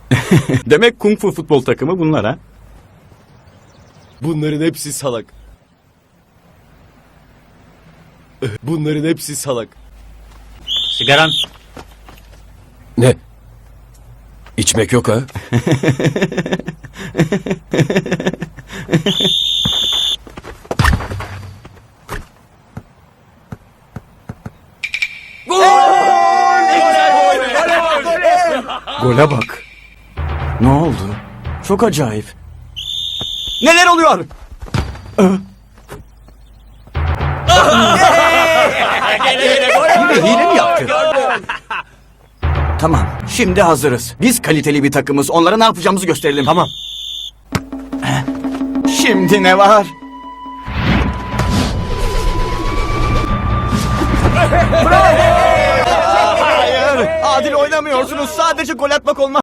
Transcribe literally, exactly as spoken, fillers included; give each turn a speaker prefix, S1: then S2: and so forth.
S1: Demek kung fu futbol takımı bunlar ha?
S2: Bunların hepsi salak. Bunların hepsi salak.
S3: Sigaran.
S2: Ne? İçmek yok ha?
S1: Gole bak. Ne oldu? Çok acayip. Neler oluyor? Yine hile mi yaptı? Tamam, şimdi hazırız. Biz kaliteli bir takımız. Onlara ne yapacağımızı gösterelim. Tamam. Şimdi ne var? Bravo! Hayır, adil oynamıyorsunuz. Sadece gol atmak olmaz.